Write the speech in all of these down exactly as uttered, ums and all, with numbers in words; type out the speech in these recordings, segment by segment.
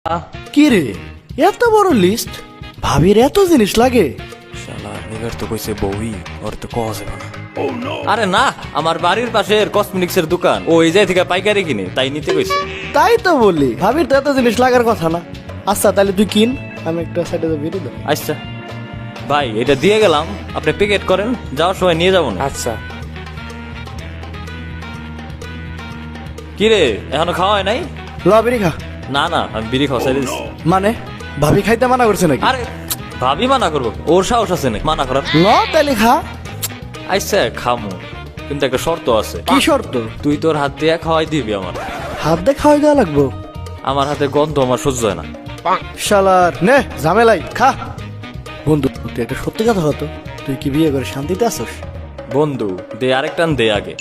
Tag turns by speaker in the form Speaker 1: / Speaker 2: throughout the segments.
Speaker 1: কি রে এত বড় লিস্ট ভাবির এত জিনিস লাগে
Speaker 2: শালা এবার তো কইছে বউই ওর তো কওয়া যাবে না। আরে না, আমার বাড়ির পাশের কসমেটিক্স এর দোকান ও এই জায়গা থেকে পাইকারি কিনে তাই নিতে কইছে।
Speaker 1: তাই তো বলি ভাবির তো এত জিনিস লাগার কথা না। আচ্ছা তাহলে তুই কিন, আমি একটা সাইডে বেরিয়ে দেবো।
Speaker 2: আচ্ছা ভাই এটা দিয়ে গেলাম, আপনি প্যাকেট করেন, যাওয়ার সময় নিয়ে যাবো না।
Speaker 3: আচ্ছা
Speaker 2: কি রে এখনো খাওয়া হয় নাই?
Speaker 1: ল বেরি খা।
Speaker 2: না না আমি বিড়ি খাওয়া চাই দিচ্ছি।
Speaker 1: মানে ভাবি খাইতে মানা করছে নাকি?
Speaker 2: আরে ভাবি মানা করবো, ওর সাহস আছে নাকি মানা করার?
Speaker 1: ল তাহলে খা।
Speaker 2: আচ্ছা খামু, কিন্তু একটা শর্ত আছে।
Speaker 1: কি শর্ত?
Speaker 2: তুই তোর হাত দিয়ে খাওয়াই দিবি আমার।
Speaker 1: হাত দিয়ে খাওয়াই দেওয়া লাগবো?
Speaker 2: আমার হাতে গন্ধ আমার সহ্য হয় না।
Speaker 1: শালার নে ঝামেলাই খা। বন্ধু তুই একটা সত্যি কথা হতো, তুই কি বিয়ে করে শান্তিতে আসোস?
Speaker 2: বন্ধু দে আরেকটান দে আগে।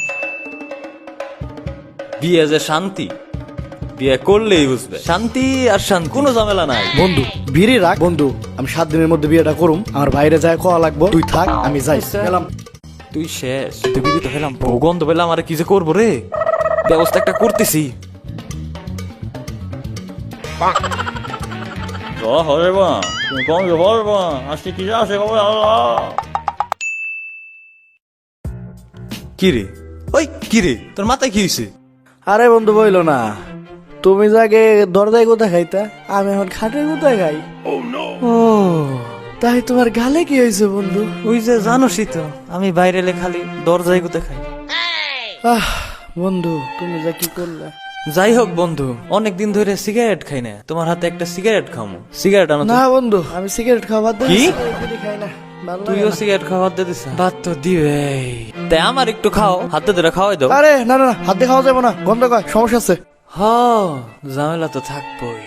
Speaker 2: বিয়ে যে শান্তি, বিয়ে করলেই বুঝবে শান্তি আর শান্তি, কোনো ঝামেলা নাই।
Speaker 1: বন্ধু বিড়ি রাখ বন্ধু, আমি সাত দিনের মধ্যে বিয়েটা করুম। আমার বাইরে যায় কোয়া লাগবো, তুই থাক আমি যাই। গেলাম।
Speaker 2: তুই শেষ, তুই বিয়ে তো খেলাম, গন্ধ পেলাম, আর কি যে করবো রে, ব্যবস্থা একটা করতেছি। কি রে ওই কি রে তোর মাথায় কি হয়েছে?
Speaker 1: আরে বন্ধু বইলো না, তুমি যাকে দরজায় কোথায় খাইতা, আমি এখন খাটের কোথায় খাই। ও তাই তোমার গালে কি হয়েছে বন্ধু?
Speaker 2: ওই যে জানোসই তো আমি বাইরে এলে খালি দরজায় গুতে খাই।
Speaker 1: আহ বন্ধু তুমি যা কি করলে।
Speaker 2: যাই হোক বন্ধু, অনেকদিন ধরে সিগারেট খাই না, তোমার হাতে একটা সিগারেট খামো। সিগারেট আনো তো।
Speaker 1: না বন্ধু আমি সিগারেট খাওয়া বাদ
Speaker 2: কি?
Speaker 1: দিয়েছি, বিড়ি খাই না, ভালো লাগে
Speaker 2: তুইও
Speaker 1: না।
Speaker 2: সিগারেট খাওয়া বাদ দিয়ে দিস? বাদ তো দিবে, তাই আমার একটু খাও, হাতে ধরে খাওয়াই দাও।
Speaker 1: আরে না না না, হাত দিয়ে খাওয়া যাবে না, গন্ধ কয়, সমস্যা আছে।
Speaker 2: হ ঝামেলা তো থাকবোই।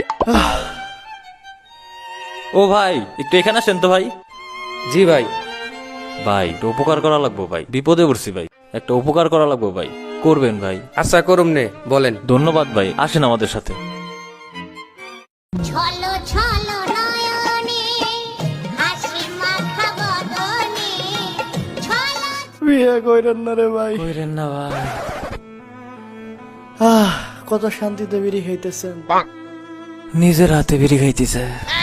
Speaker 2: ও ভাই একটু এখানে আসেন তো ভাই।
Speaker 3: জি ভাই।
Speaker 2: ভাই একটু উপকার করা লাগবো ভাই, বিপদে পড়ছি ভাই, একটা উপকার করা লাগবো ভাই, করবেন ভাই?
Speaker 3: আচ্ছা করুম নে, বলেন।
Speaker 2: ধন্যবাদ ভাই, আসেন আমাদের সাথে।
Speaker 4: ছলো ছলো নয়নে হাসি মাখা বদনে ছলো
Speaker 1: বিয়ে কইরেন না রে ভাই।
Speaker 2: কইরেন না ভাই।
Speaker 1: আহ কত শান্তিতে বিড়ি খাইতেছেন।
Speaker 2: নিজের হাতে বিড়ি খাইতেছে।